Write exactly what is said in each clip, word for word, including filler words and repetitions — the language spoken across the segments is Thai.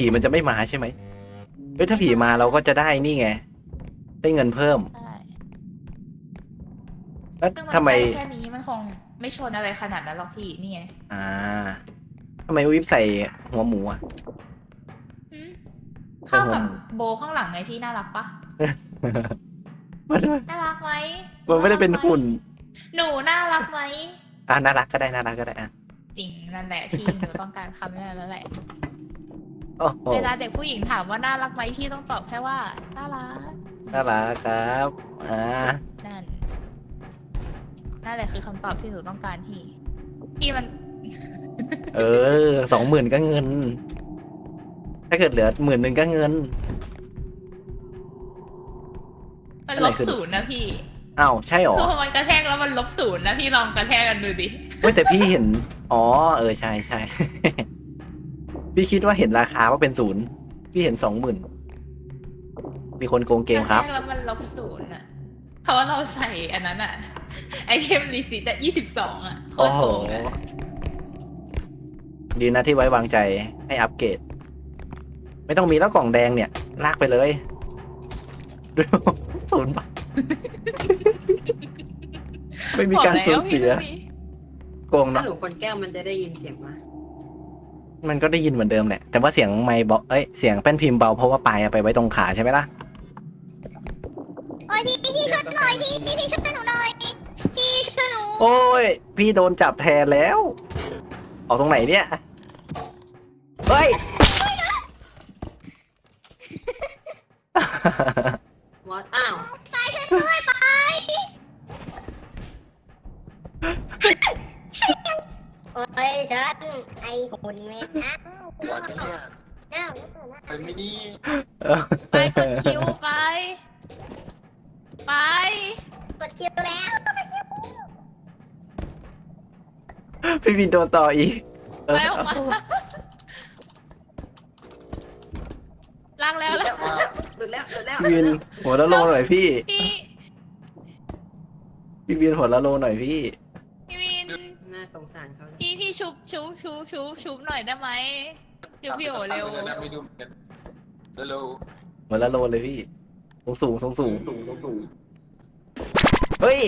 มันจะไม่มาใช่ไหมเฮ้ยถ้าผีมาเราก็จะได้นี่ไงได้เงินเพิ่มใช่แล้วซึ่งมันทำไมใกล้แค่นี้มันคงไม่ชนอะไรขนาดนั้นหรอกพี่นี่ไงอ่าทำไมวิบใส่หัวหมูอ่ะหืมเข้ากับอืมโบข้างหลังไงพี่น่ารักปะมันน่ารักไหมมันไม่ได้เป็นหุ่นหนูน่ารักไหมอ่ะน่ารักก็ได้น่ารักก็ได้อ่ะจริงนั่นแหละพี่หนูต้องการคำนั้นแล้วแหละโอ้โหเวลาเด็กผู้หญิงถามว่าน่ารักไหมพี่ต้องตอบแค่ว่าน่ารักน่ารักครับอ่านั่นนั่นแหละคือคำตอบที่หนูต้องการพี่พี่มันเออสองหมื่นก็เงิน ถ้าเกิดเหลือหมื่นหนึ่งก็เงินมันอะไรลบคือศูนย์นะพี่อ้าวใช่หรอคือพอมันกระแทกแล้วมันลบศูนย์นะพี่ลองกระแทกกันดูดิเฮ้ยแต่พี่เห็นอ๋อเออใช่ใช่ พี่คิดว่าเห็นราคาว่าเป็นศูนย์พี่เห็นสองหมื่นมีคนโกงเกมครับกระแทกแล้วมันลบศูนย์อ่ะเพราะว่าเราใส่อันนั้นอ่ะไอเทมรีซิตอะยี่สิบสองอ่ะโคโอ้ตรโหโกงอ่ะดีนะที่ไว้วางใจให้อัปเกรด ไม่ต้องมีแล้วกล่องแดงเนี่ย ลากไปเลย ดูศูนย์บาท ไม่มีการสูญเสียบอกแล้วพี่โกงถ้าเนาะหนูคนแก้วมันจะได้ยินเสียงมามันก็ได้ยินเหมือนเดิมแหละ แต่ว่าเสียงไมค์เบาเอ้ย เสียงแป้นพิมพ์เบาเพราะว่าปลายเอาไปไว้ตรงขาใช่ไหมล่ะโอ้ยพี่พี่ช่วยหน่อยพี่พี่พี่ช่วยหนูหน่อยพี่ช่วยหนูโอ้ย พี่โดนจับแทนแล้ว ออกตรงไหนเนี่ย เฮ้ยวอตอ้าวไปช่วยด้วยไปโอ้ยฉันไอหุ่นเวทนะหัวจะเนี่ยเอ้าไปไม่ดีไปกดคิวไป ไปกดคิวแล้วพี่วินโดนต่ออีกเอไปอออกมาล้างแล้วแล้วหลุดแล้วหลุดแล้วพี่วินหัวละโลหน่อยพี่พี่พี่วินหัวละโลหน่อยพี่พี่วินน่าสงสารเขาเลยพี่พี่ชุบชุบชุบชุบชุบหน่อยได้ไหมชุบพี่โอเร็วไม่ดูเหมือนกันเร็วหัวละโลเลยพี่ สูงสูงสูงสูงสูงสูงเฮ้ย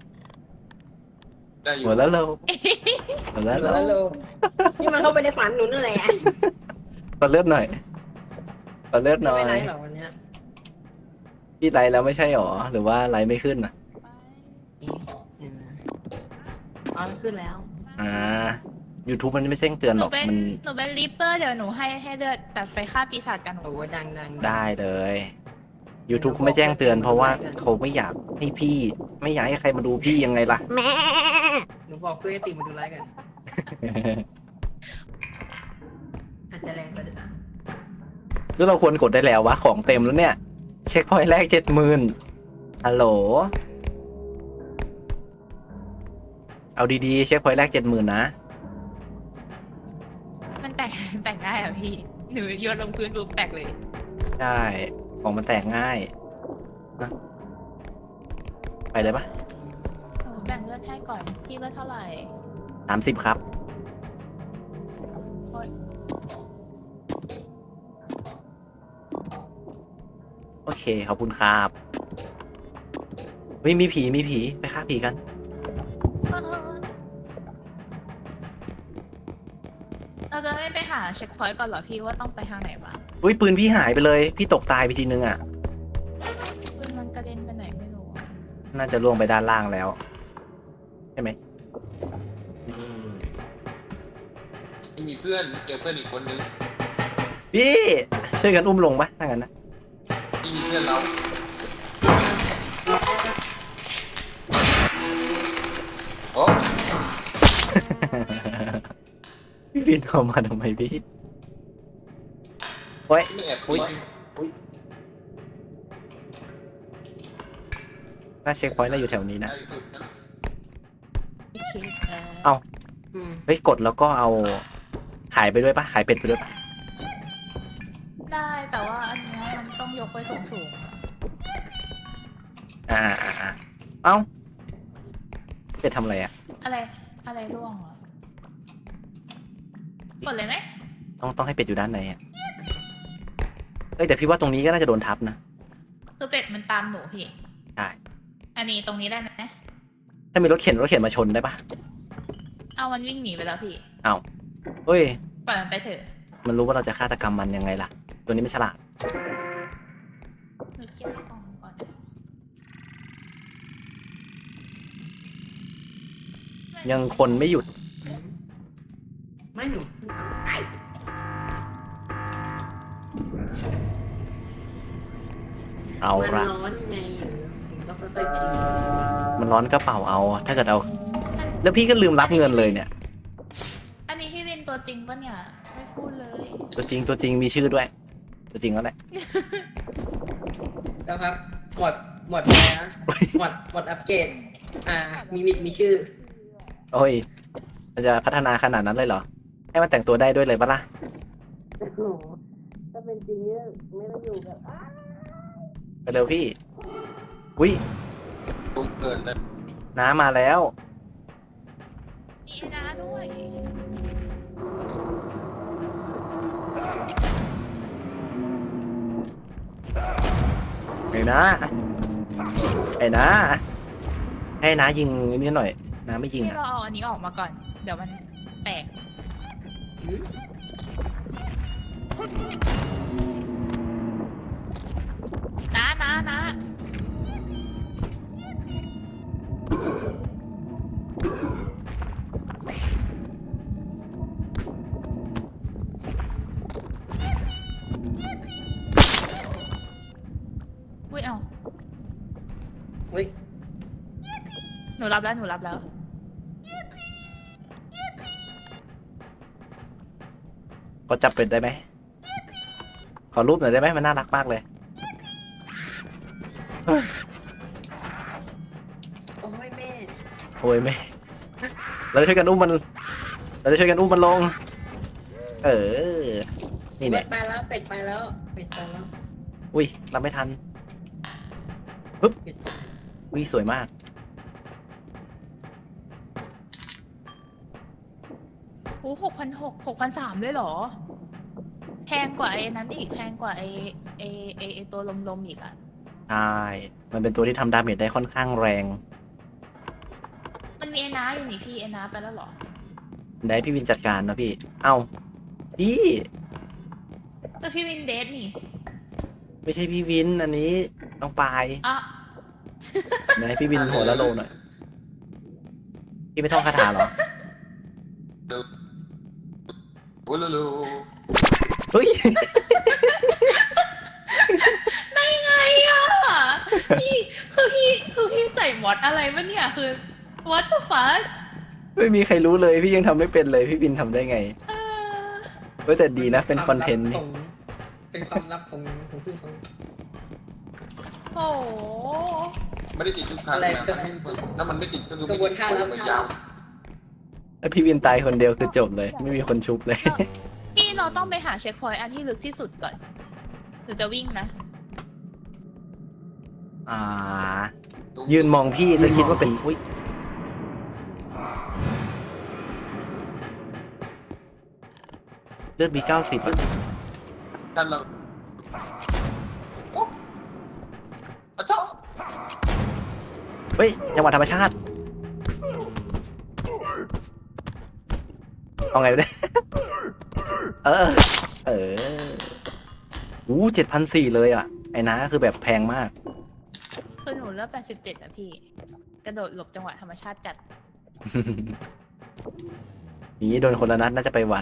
ได้อยู่หัวละโลหัวละโลฮัลโหลนี่มันเข้าไปในฝันหนูนั่นแหละปัดเลือดหน่อยปัดเลือดหน่อไม่ไหนยหรอวันเนี้ยพี่ไลฟ์แล้วไม่ใช่หรอ หรือว่าไลฟ์ไม่ขึ้นอ่ะเอ๊ะเห็นไหมอ๋อขึ้นแล้วอ่า YouTube มันไม่แจ้งเตือนหหรนูอกเป็นมันหนูเป็นริปเปอร์เดี๋ยวหนูให้ให้เลือดแต่ไปฆ่าปีศาจกันหนูโอ้ยดังดังได้เลย YouTube เขาไม่แจ้งเตือนเพราะว่าเขาไม่อยากให้พี่ ไม่อยากให้ใครมาดูพี่ยังไงล่ะแม่หนูบอกเพื่อนให้ติมาดูไลฟ์กัน อาจจะแรงไปหรือเปล่าหรือเราควรกดได้แล้ววะ ของเต็มแล้วเนี่ย เช็คพอยต์แรกเจ็ดหมื่นฮัลโหล เอาดีๆ เช็คพอยต์แรกเจ็ดหมื่นนะมันแตกแตกได้อะพี่หนูโยนลงพื้นปุ๊บแตกเลยใช่ ของมันแตกง่ายนะไปเลยปะหนูแบ่งเลือดให้ก่อนพี่เลือดเท่าไหร่สามสิบครับโอ๊ยโอเค ขอบคุณครับเฮ้ยมีผี มีผี ไปฆ่าผีกันเออเราจะไม่ไปหาเช็คพอยต์ก่อนเหรอพี่ว่าต้องไปทางไหนบ้างอุ้ยปืนพี่หายไปเลย พี่ตกตายไปทีนึงอ่ะปืนมันกระเด็นไปไหนไม่รู้อะน่าจะล่วงไปด้านล่างแล้ว ใช่ไหมไม่มีเพื่อนเจอเพื่อนอีกคนนึงพี่ ช่วยกันอุ้มลงปะถ้างั้นนะที่มีเพื่อนเราโอ้พี่วินเอามาทำไมพี่โอ้ยไม่แอบอุ๊คุยยน่าเช็คพอยต์น่าอยู่แถวนี้นะได้สุดนะพี่เช็คแล้วเอ้าอืมเฮ้ย กดแล้วก็เอา ขายไปด้วยปะขายเป็ดไปด้วยปะได้แต่ว่าอันเนี้ยมันต้องยกไปสูงสูงๆอะอ่าอ่าอ่าเอ้า เป็ดทำอะไรอ่ะอะไรอะไรร่วงเหรอ กดเลยไหมต้องต้องให้เป็ดอยู่ด้านในอ่ะเอ้ยแต่พี่ว่าตรงนี้ก็น่าจะโดนทับนะคือเป็ดมันตามหนูพี่ใช่อันนี้ตรงนี้ได้ไหมถ้ามีรถเข็นรถเข็นมาชนได้ปะเอามันวิ่งหนีไปแล้วพี่เอาเฮ้ยปล่อยมันไปเถอะมันรู้ว่าเราจะฆาตกรรมมันยังไงล่ะ ตัวนี้ไม่ฉลาดหนูเก็บของก่อนยังคนไม่หยุดไม่หนูไอ้เอามันละร้อนไงถึงต้องค่อยๆกินมันร้อนกระเป๋าเอา ถ้าเกิดเอา แล้วพี่ก็ลืมรับเงินเลยเนี่ยอันนี้พี่วินตัวจริงปะเนี่ย ไม่พูดเลยตัวจริงตัวจริงมีชื่อด้วย ตัวจริงแล้วแหละแล้วครับหมดหมดแล้วนะหมดหมดอัปเกรดอ่า มีมิดมีชื่อโอ้ยมันจะพัฒนาขนาดนั้นเลยเหรอ ให้มันแต่งตัวได้ด้วยเลยปะล่ะโอ้โหถ้าเป็นจริงเนี่ยไม่ต้องอยู่กับไปเร็วพี่ อุ้ยตุ้มเกินเลยน้ำมาแล้วมีไอ้น้าด้วยไอ้นะไอ้นะให้น้ายิงนิดหน่อยน้าไม่ยิงพี่อ่ะเราเอาอันนี้ออกมาก่อน เดี๋ยวมันแตก นะนะนะ อุ้ยเอาเฮ้ยหนูรับแล้ว หนูรับแล้วขอจับเป็ดได้ไหม ขอรูปหน่อยได้ไหมมันน่ารักมากเลยโอ้ยแม่โอ้ยไม่ เราจะช่วยกันอุ้มมัน เราจะช่วยกันอุ้มมันลง เออ นี่เป็เนี่ดยไปแล้วเป็ดไปแล้วเป็ดไปแล้วอุ้ยรับไม่ทันเป็ดไปอุ้ยสวยมากโอ้หกพันหกหกพันสามเลยเหรอ แพงกว่าไอ้นั้นอีก แพงกว่าไอ้ไอ้ไอ้ไอ้ตัวลมๆอีกอ่ะใช่ มันเป็นตัวที่ทำดาเมจได้ค่อนข้างแรงมันมีไอ้น้าอยู่นี่พี่ไอ้น้าไปแล้วเหรอได้พี่วินจัดการนะพี่ เอ้า พี่แต่พี่วินเดทนี่ไม่ใช่พี่วิน อันนี้น้องปายอ่ะเดี๋ยวให้พี่วินหัวละโลหน่อย พี่ไม่ท่องคาถาเหรอโอ้โหเฮ้ยได้ไงอ่ะ พี่คือพี่คือพี่ใส่มอดอะไรวะเนี่ยคือ what the fuck ไม่มีใครรู้เลย พี่ยังทำไม่เป็นเลย พี่วินทำได้ไงเออเฮ้ยแต่ดีนะ เป็นคอนเทนต์นี่เป็นความลับของของพี่เขาโอ้โหไม่ได้ติดทุกครั้งอะไรนะก็ถ้ามันไม่ติดก็คือกระบวนการรับไม่ยาวแล้วพี่วินตายคนเดียวคือจบเลย ไม่มีคนชุบเลยพี่เราต้องไปหาเช็คพอยต์อันที่ลึกที่สุดก่อนหรือจะวิ่งนะอ่า ยืนมองพี่จะคิดว่าเป็น อุ้ย เลือดมีเก้าสิบอ่ะท่านเราโอ้อะชอบเฮ้ย จังหวะธรรมชาติ เอาไงวะเนี่ย เออ เอออู้เจ็ดพันสี่เลยอ่ะ ไอ้น้าคือแบบแพงมากคือหนูเลือกแปดสิบเจ็ดอะพี่ กระโดดหลบจังหวะธรรมชาติจัดนี้โดนคนละนัดน่าจะไปหวัน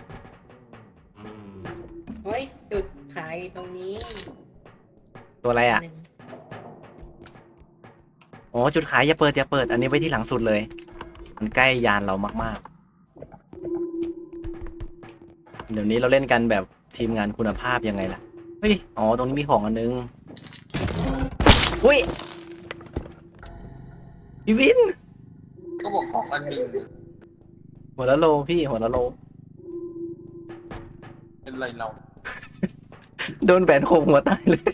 เฮ้ยจุดขายตรงนี้ตัวอะไรอ่ะหนึ่งอ๋อ จุดขายอย่าเปิดอย่าเปิด อันนี้ไว้ที่หลังสุดเลย มันใกล้ยานเรามากๆ เดี๋ยวนี้เราเล่นกันแบบทีมงานคุณภาพยังไงล่ะ เฮ้ย อ๋อ ตรงนี้มีของอันนึง อุ้ย พี่วินก็บอกของอันหนึ่งหัวละโลพี่หัวละโลเป็นไรเราโดนแบนโคมหัวตายเลย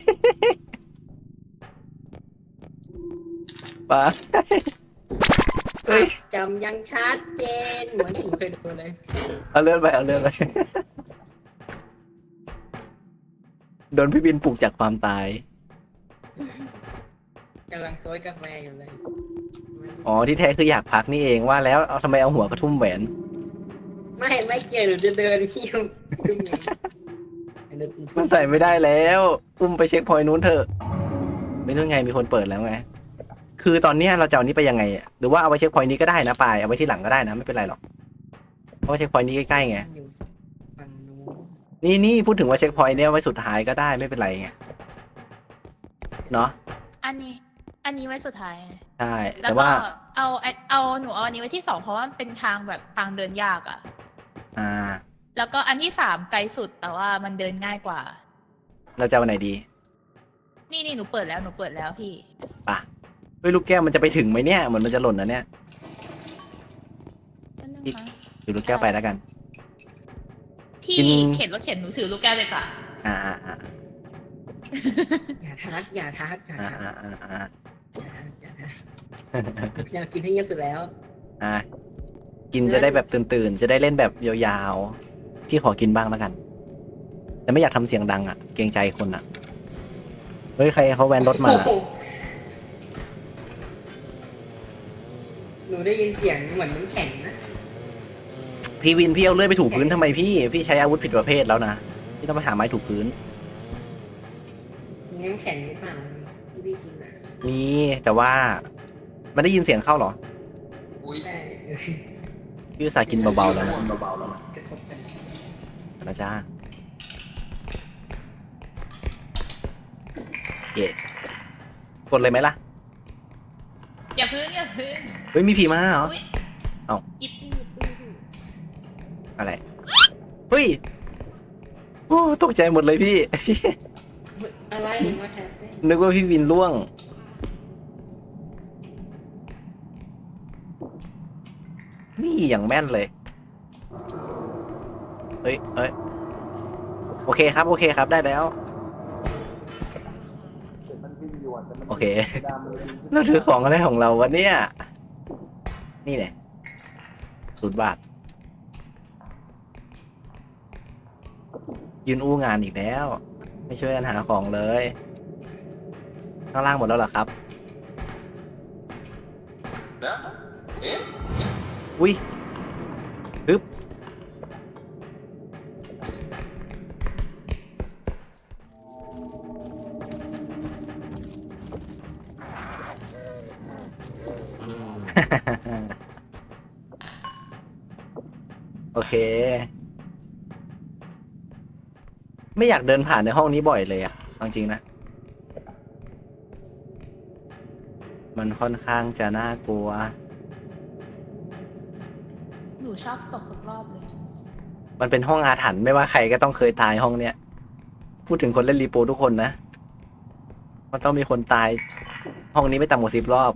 ปาเฮ้ยจำยังชัดเจนเหมือนผมเคยดูเลยเอาเลื่อนไปเอาเลื่อนไปโดนพี่บินปลุกจากความตายกำลังโซยกาแฟอยู่เลยอ๋อที่แท้คืออยากพักนี่เองว่าแล้วเอาทำไมเอาหัวกระทุ่มแหวนไม่ไม่เกี่ยวหนูจะเดินพี่ยุ่งยุ่งไงเดินมันใส่ไม่ได้แล้วอุ้มไปเช็คพอยต์นู้นเถอะไม่รู้ไงมีคนเปิดแล้วไงคือตอนเนี้ยเราจะเอานี้ไปยังไงอะหรือว่าเอาไปเช็คพอยต์นี้ก็ได้นะปายเอาไว้ที่หลังก็ได้นะไม่เป็นไรหรอกเพราะว่าเช็คพอยต์นี้ใกล้ๆไงอยู่ฝั่งนู้นนี่นี่พูดถึงว่าเช็คพอยต์เนี้ยไว้สุดท้ายก็ได้ไม่เป็นไรไงเนาะอันนี้ อันนี้ไว้สุดท้ายใช่แล้แต่วก็ว่าเอาเอาหนูเอาอันนี้ไว้ที่สองเพราะว่ามันเป็นทางแบบทางเดินยากอะอ่าแล้วก็อันที่สามไกลสุดแต่ว่ามันเดินง่ายกว่าเราจะเอาไหนดีนี่นี่หนูเปิดแล้วหนูเปิดแล้วพี่ป่ะเฮ้ยลูกแก้วมันจะไปถึงไหมเนี่ยเหมือนมันจะหล่นนะเนี่ยนั่นนึงอีกนะดูลูกแก้วไปแล้วกันพี่กินเข็นรถเข็นหนูถือลูกแก้วเลยค่ะอ่าอ่าอ่าอย่าทักอย่าทักอย่าอ่าทักอ่าอ่าอ่าอย่าทักอย่าทักอยากกินให้เยอะสุดแล้วอ่ากินจะได้แบบตื่นๆจะได้เล่นแบบยาวๆพี่ขอกินบ้างแล้วกัน แต่ไม่อยากทำเสียงดังอ่ะเกรงใจคนอ่ะเฮ้ยใครเขาแวนรถมาโอ้โหหนูได้ยินเสียงเหมือนน้ำแข็งนะพี่วินพี่เอาเลื่อยไปถูพื้นทำไมพี่พี่ใช้อาวุธผิดประเภทแล้วนะพี่ต้องไปหาไม้ถูพื้นมีน้ำแข็งหรือเปล่าที่พี่กินอ่ะนี่แต่ว่ามันได้ยินเสียงเข้าเหรออุ้ยได้พี่อุตส่าห์กินเบาๆแล้วนะเบาๆแล้วนะกระทบกันนะจ้าเย่กดเลยไหมล่ะอย่าพึ่งอย่าพึ่งเฮ้ยมีผีมาเหรออุ๊ยเอ้าอิปปี้อิปปี้อิปปี้อะไร เฮ้ย โอ้ตกใจหมดเลยพี่เฮ้ยอะไรว่าแทบไม่นึกว่าพี่วินล่วง นี่อย่างแม่นเลย เฮ้ยเฮ้ย โอเคครับ โอเคครับ ได้แล้ว โอเค เราถือของอะไรของเราวะเนี่ย นี่เนี่ยศูนย์บาท ยืนอู้งานอีกแล้ว ไม่ช่วยกันหาของเลย ข้างล่างหมดแล้วเหรอครับแล้วเอ๊ะอุ้ยฮึบ โอเค ไม่อยากเดินผ่านในห้องนี้บ่อยเลยอะเอาจริงนะ มันค่อนข้างจะน่ากลัวหนูชอบตกทุกรอบเลยมันเป็นห้องอาถรรพ์ไม่ว่าใครก็ต้องเคยตายห้องเนี้ย พูดถึงคนเล่นรีโปทุกคนนะ มันต้องมีคนตาย ห้องนี้ไม่ต่ำกว่าสิบรอบ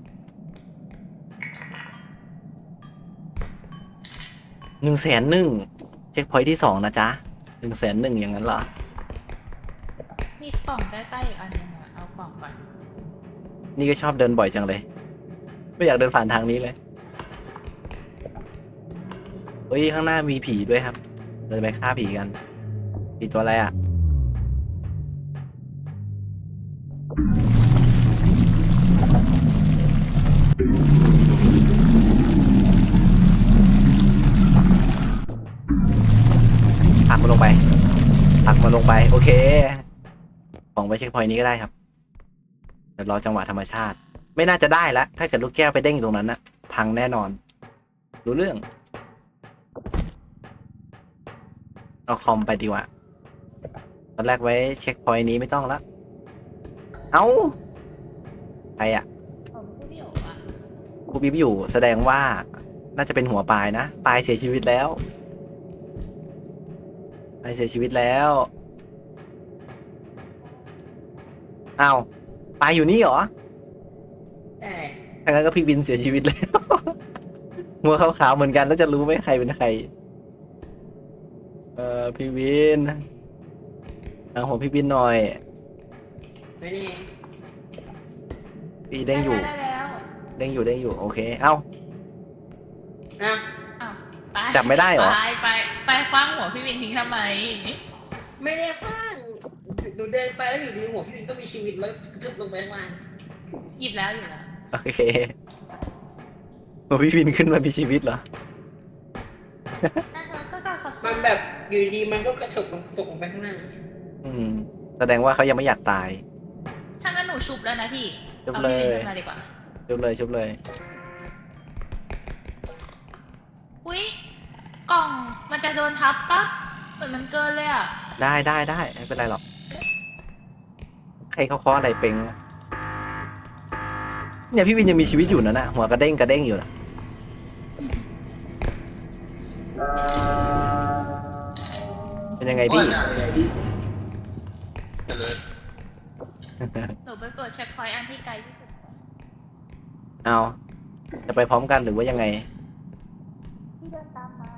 หนึ่งแสนหนึ่งเช็คพอยท์ที่สองนะจ๊ะหนึ่งแสนหนึ่งอย่างนั้นเหรอมีกล่องใกล้ๆอีกอันนึงอะเอากล่องก่อนนี่ก็ชอบเดินบ่อยจังเลย ไม่อยากเดินผ่านทางนี้เลย เฮ้ย ข้างหน้ามีผีด้วยครับเราจะไปฆ่าผีกัน ผีตัวอะไรอ่ะ ผลักมันลงไปผลักมันลงไป โอเค ของไปเช็คพอยต์นี้ก็ได้ครับ เดี๋ยวรอจังหวะธรรมชาติ ไม่น่าจะได้ละถ้าเกิดลูกแก้วไปเด้งอยู่ตรงนั้นนะพังแน่นอน รู้เรื่อง เอาคอมไปดีกว่าตอนแรกไว้เช็คพอยต์นี้ไม่ต้องละเอาใครอะของผู้เดี่ยวอะกูบิ๊บอยู่แสดงว่าน่าจะเป็นหัวปลายนะปลายเสียชีวิตแล้วปลายเสียชีวิตแล้วอ้าวปลายอยู่นี่เหรอได้ถ้างั้นก็พี่วินเสียชีวิตแล้ว หัวขาวๆเหมือนกันแล้วจะรู้ไหมใครเป็นใคร เออพี่วินเอาหัวพี่วินหน่อยไม่ได้พี่เด้งอยู่ได้แล้วเด้งอยู่เด้งอยู่โอเค เอ้าอ่ะอ้าวไปจับไม่ได้เหรอไปไปไปคว้างหัวพี่วินทิ้งทำไมไม่ได้ฟังหนูเดินไปแล้วอยู่ดีหัวพี่วินก็มีชีวิตแล้วกระทึบลงไปข้างล่างหยิบแล้วหยิบแล้วโอเคโอ้พี่วินขึ้นมามีชีวิตเหรอน่าจะก็การขับมันแบบอยู่ดีมันก็กระเถิบลงตกลงไปข้างล่างอืม แสดงว่าเขายังไม่อยากตายถ้างั้นหนูชุบแล้วนะพี่ชุบเอาเลยพี่วินขึ้นมาดีกว่าชุบเลยชุบเลยอุ้ยกล่องมันจะโดนทับปะเหมือนมันเกินเลยอ่ะได้ได้ได้ไม่เป็นไรหรอก ใครเขาเคาะอะไรเป็งวะเนี่ยพี่วินยังมีชีวิตอยู่นะน่ะหัวกระเด้งกระเด้งอยู่นะเป็นยังไงพี่เจริญหนูไปกดเช็คพอยต์อันที่ไกลที่สุดเอาจะไปพร้อมกันหรือว่ายังไงที่เดินตามมา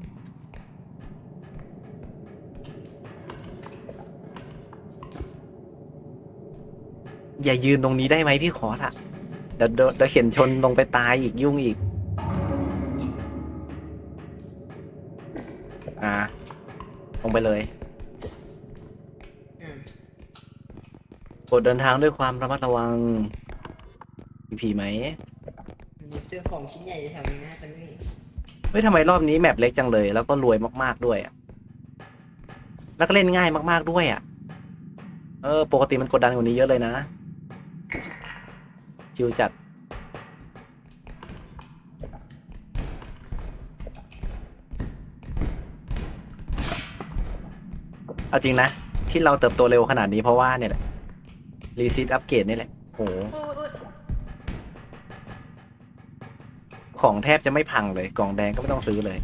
อย่ายืนตรงนี้ได้ไหมพี่ขอละเดี๋ยวเดี๋ยวเดี๋ยวเข็นชนลงไปตายอีกยุ่งอีก อ่า ลงไปเลยอืมโปรดเดินทางด้วยความระมัดระวังมีผีไหมหนูเจอของชิ้นใหญ่แถวนี้นะแต่ไม่มีเฮ้ยทำไมรอบนี้แมปเล็กจังเลย แล้วก็รวยมากๆด้วยอ่ะ แล้วก็เล่นง่ายมากๆด้วยอ่ะ เออ ปกติมันกดดันกว่านี้เยอะเลยนะ ชิวจัด เอาจริงนะ ที่เราเติบโตเร็วขนาดนี้เพราะว่าเนี่ยแหละรีซิตอัปเกรดนี่แหละโหอุ้ยอุ้ยของแทบจะไม่พังเลย กล่องแดงก็ไม่ต้องซื้อเลย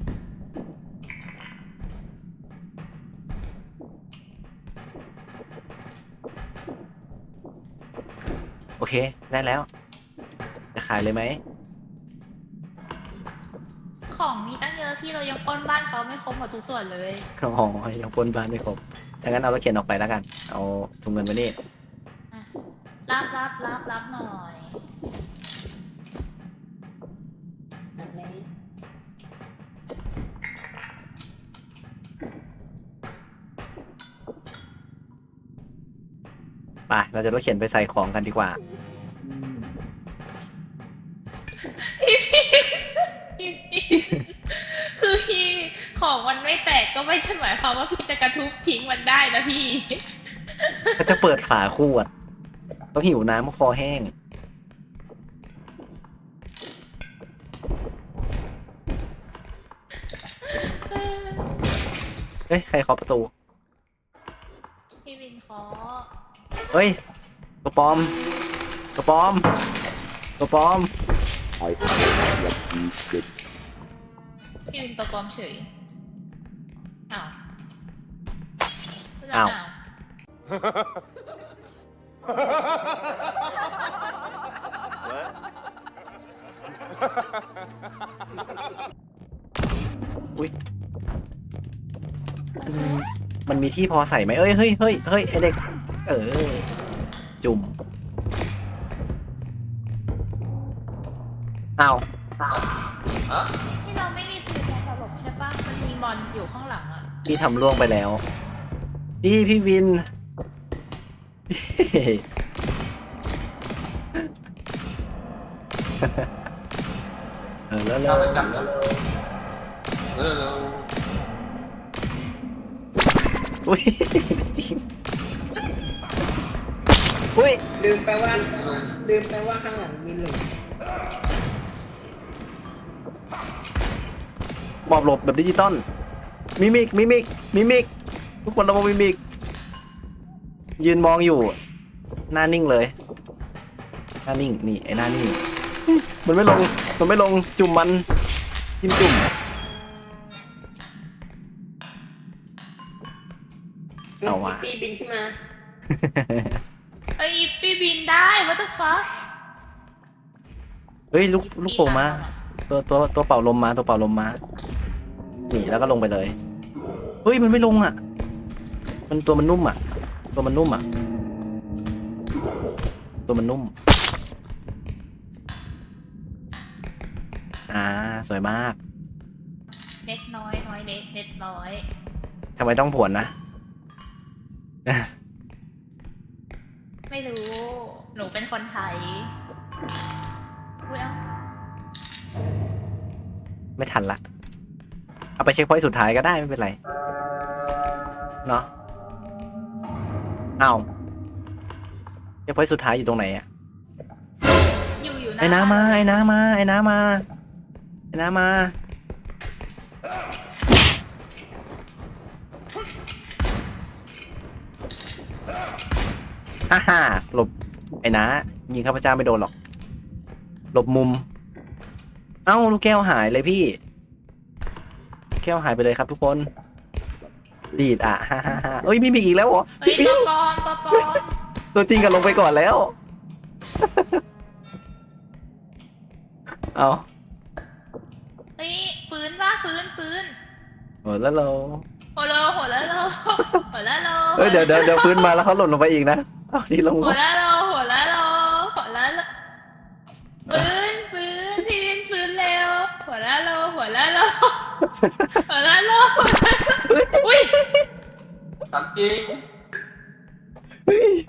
โอเค ได้แล้ว จะขายเลยไหมของมีตั้งเยอะพี่เรายังปล้นบ้านเขาไม่ครบหมดทุกส่วนเลยอ๋อยังปนบ้านไม่ครบดังนั้นเอารถเข็นออกไปแล้วกัน เอาถุงเงินไว้นี่อ่ะรับรับรับรับหน่อยแบบนี้ไป เราจะรถเข็นไปใส่ของกันดีกว่าพี่พี่คือพี่ของมันไม่แตกก็ไม่ใช่หมายความว่าพี่จะกระทุบทิ้งมันได้นะพี่ก็จะเปิดฝาขวด ต้องหิวน้ำคอแห้ง เฮ้ย ใครเคาะประตูพี่วินขอเฮ้ย ตัวปลอม ตัวปลอม ตัวปลอมพี่วินตัวปลอมเฉยอ้าวอ้าว อุ้ยอืมมันมีที่พอใส่ไหมเอ้ย เฮ้ยเฮ้ยเฮ้ยไอเด็ก เออ จุ่มอ้าวฮะที่เราไม่มีปืนแทนตลบใช่ปะมันมีมอนอยู่ข้างหลังอ่ะพี่ทำล่วงไปแล้ว พี่พี่วิน เออแล้วแล้ถ้าว มันกลับแล้วเออเราอุ้ยจริงอุ้ยลืมไปว่าลืมไปว่าข้างหลังมีหลุมบอบหลบแบบดิจิตอลมิมิกมิมิกมิมิกทุกคนระวังมิมิก ยืนมองอยู่ หน้านิ่งเลย หน้านิ่งนี่ไอ้หน้านิ่ง มันไม่ลง มันไม่ลงจุ่มมันจิ้มจุ่ม เอาว่ะปีบินขึ้นมาเอ้ยพี่บินได้ what the fuck เฮ้ยลูกลูกโป่งมา ตัวตัวตัวเป่าลมมาตัวเป่าลมมาหนีแล้วก็ลงไปเลย เฮ้ยมันไม่ลงอ่ะ มันตัวมันนุ่มอ่ะ ตัวมันนุ่มอ่ะ ตัวมันนุ่ม อ่าสวยมากเน็ตน้อยน้อยเน็ตเน็ตน้อยทำไมต้องผวนนะไม่รู้ หนูเป็นคนไทยอุ้ยเอ้าไม่ทันละ เอาไปเช็คพอยต์สุดท้ายก็ได้ไม่เป็นไร เนาะเอาเช็คพอยต์สุดท้ายอยู่ตรงไหนอะอยู่อยู่หไอ้น้ามาไอ้น้ามาไอ้น้ามาไอ้น้ามาฮ่าฮ่าหลบไอ้น้ายิงข้าพเจ้าไม่โดนหรอก หลบมุม เอ้าลูกแก้วหายเลยพี่ลูกแก้วหายไปเลยครับทุกคนดีดอ่ะฮ่าฮ่าฮ่าเอ้ยมีมีอีกแล้วเหรอเฮ้ยพี่ตัวปิ๊วปลอมตัวปลอมตัวจริงกันลงไปก่อนแล้ว เอาเฮ้ยฟื้นว่าฟื้นฟื้นโหแล้วเราหัวโลหัวแล้วโลหัวแล้วโลเฮ้ยเดี๋ยวเดี๋ยวเดี๋ยวพื้นมาแล้วเขาหล่นลงไปอีกนะเอาที่ลงหัวแล้วโลหัวแล้วโลหัวแล้วโลฟื้นฟื้นทีวินฟื้นเร็วหัวแล้วโลหัวแล้วโลหัวแล้วโลอุ้ยถามจริงเฮ้ย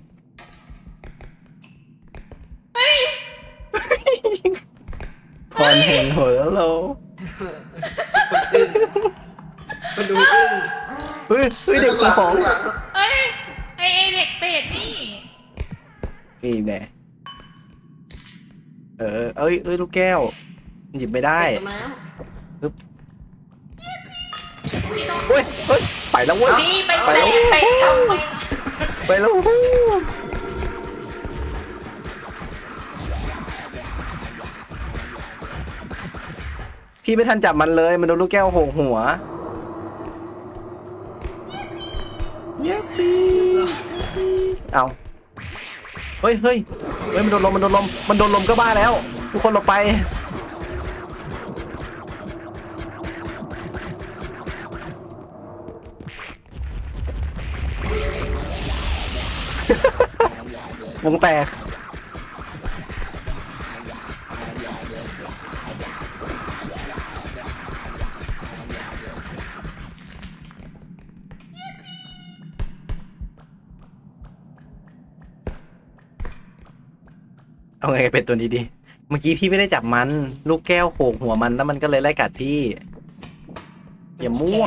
เฮ้ยพรแห่งโหแล้วเราคนดูอึ้งเฮ้ยเฮ้ยเด็กคือของเฮ้ยไอไอเด็กเป็ดนี่นี่แน่เออเอ้ยเอ้ยลูกแก้วหยิบไม่ได้จมแล้วพี่ต้องเฮ้ยเฮ้ยไปแล้วเว้ยนี่ไปไปแตะแล้วไปทำไมไปแล้วพี่ไม่ทันจับมันเลยมันโดนลูกแก้วโหกหัวเย้ปีเอาเฮ้ยเฮ้ยเฮ้ยมันโดนลมมันโดนลมมันโดนลมก็บ้าแล้ว ทุกคนหลบไปวงแตกเอาไงเป็นตัวนี้ดีเมื่อกี้พี่ไม่ได้จับมันลูกแก้วโขกหัวมันแล้วมันก็เลยไล่กัดพี่อย่ามั่ว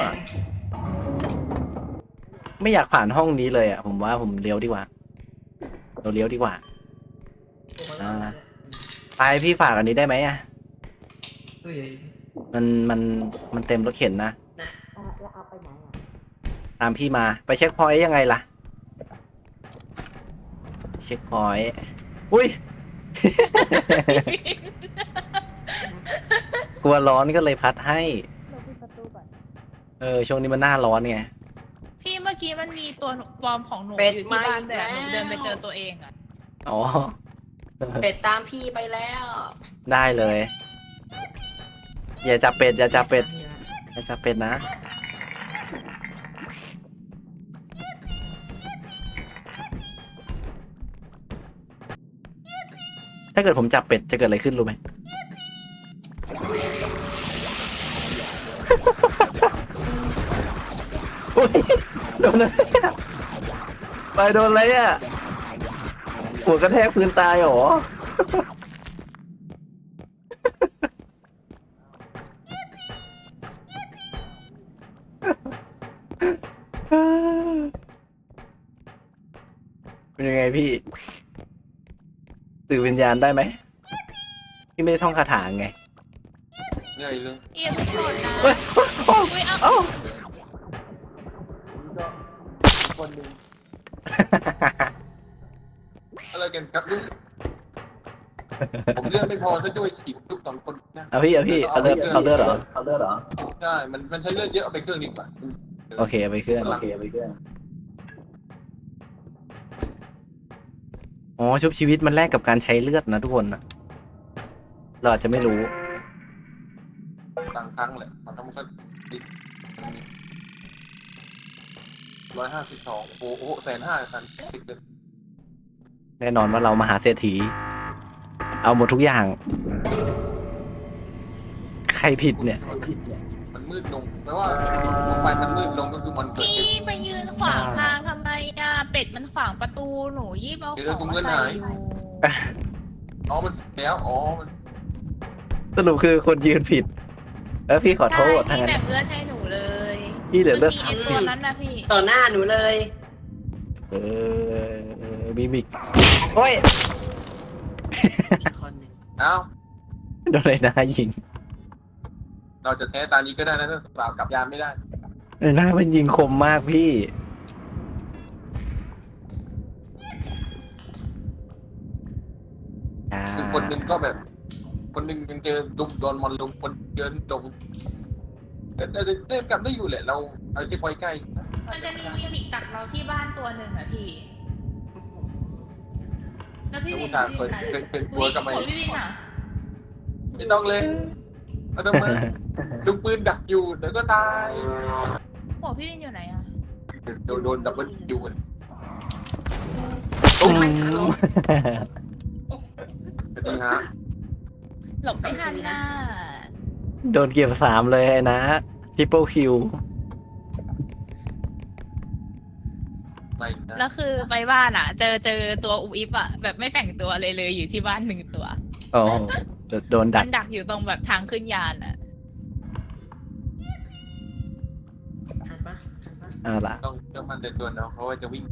ไม่อยากผ่านห้องนี้เลยอ่ะผมว่าผมเลี้ยวดีกว่าเราเลี้ยวดีกว่าอ่าไปพี่ฝากอันนี้ได้ไหมอ่ะเฮ้ยมันมันมันเต็มรถเข็นนะนะแล้วเอาไปไหนอ่ะตามพี่มาไปเช็คพอยต์ยังไงล่ะเช็คพอยต์อุ้ย กลัวร้อนก็เลยพัดให้เราปิดประตูก่อนเออช่วงนี้มันหน้าร้อนไงพี่เมื่อกี้มันมีตัวปลอมของหนูอยู่ที่บ้านแต่หนูเดินไปเจอตัวเองอะอ๋อเป็ดตามพี่ไปแล้วได้เลย อย่าจับเป็ดอย่าจับเป็ดอย่าจับเป็ดนะ ถ้าเกิดผมจับเป็ดจะเกิดอะไรขึ้นรู้ไหม อุ๊ยโดนอะไรอะไปโดนอะไรอ่ะ หัวกระแทกพื้นตายเหรอ เป็นยังไงพี่ สื่อวิญญาณได้ไหม พี่ไม่ได้ท่องคาถาไงเหนื่อยเลยเอียมก่อนนะเฮ้ยโอ้อุ้ยเอาเอ้าคนหนึ่งอะไรกันครับลูกผมเลือดไม่พอซะด้วยฉีดลูกสองคนนะเอาพี่เอาพี่เอาเลือดเอาเลือดเหรอเอาเลือดเหรอใช่มันมันใช้เลือดเยอะเอาไปเครื่องดีกว่าโอเคเอาไปเครื่องโอเคเอาไปเครื่องอ๋อชุบชีวิตมันแลกกับการใช้เลือดนะทุกคนนะเราอาจจะไม่รู้ต่างครั้งแหละมันทำก็ร้อยห้าสิบสองโอ้โหแสนห้าพันสิบเลยแน่นอนว่าเรามหาเศรษฐี เอาหมดทุกอย่าง ใครผิดเนี่ยมันมืดลงแปลว่าไฟมันมืดลงก็คือมันเกิดพี่ไปยืนขวางทางทำไมอ่ะ เป็ดมันขวางประตูหนูยีบเอาของมาใส่อยู่อ๋อมันแล้วอ๋อมันสรุปคือคนยืนผิด แล้วพี่ขอโทษใช่ทั้งพี่นั้นแบ่งเลือดให้หนูเลยพี่เหลือเลือดมื่สามกี้สิไอ้บตัวนั้นนะพี่ต่อหน้าหนูเลยเออเออมีมิกโอ้ยอีกคนหนึ่งเอ้าโดนเลยนะยิงเราจะแท้ตานี้ก็ได้นะถ้าสาวกลับยานไม่ได้ไอ้หน้ามันยิงคมมากพี่อ่าคือคนหนึ่งก็แบบ คนหนึ่งยังเจอดุมโดนมอนลุมคนเดินจมแต่แต่แต่กลับได้อยู่แหละเราเอาเช็คไว้ใกล้มันจะมีมิมิกดักเราที่บ้านตัวหนึ่งอ่ะพี่ แล้วพี่แล้ววิอุนตส่าห์เปิดเป็นเป็นตัวกับหัไม่วพี่วินอ่ะไม่ต้องเลยเอาทำไมลูกปืนดักอยู่เดี๋ยวก็ตายหัวพี่วินอยู่ไหนอ่ะโดนโดนดับเบิลยูกันตุ้มสวัสดีฮะหลบไม่ทันน่ะโดนเก็บสามเลยนะทิปเปิลคิวไม่นะแล้วคือไปบ้านอ่ะ เจอเจอตัวอุอิฟอ่ะ แบบไม่แต่งตัวเลยเลยอยู่ที่บ้านหนึ่งตัวโอ้โดนดัมักนดักอยู่ตรงแบบทางขึ้นยานอ่ะทันปะทันปะเอาละต้องเชื่อมั่นในตัวน้องเพราะว่าจะวิ่ง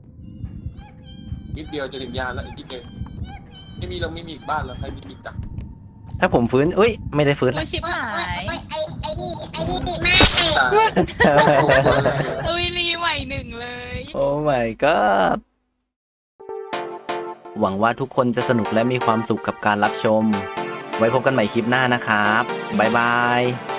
นิดเดียวจะถึงยานแล้วอีกนิดเดียวไม่มีเราไม่มีอีกบ้านแล้วใครมีอีกดักถ้าผมฟื้นเอ้ย ไม่ได้ฟื้นโอ้ละยชิบหายโอ้ยไอ้ไอ้นี่ไอ้นี่มาตายไม่ถูกเลยอุ้ยรีใหม่หนึ่งเลยโอ้ my god หวังว่าทุกคนจะสนุกและมีความสุขกับการรับชม ไว้พบกันใหม่คลิปหน้านะครับ บ๊ายบาย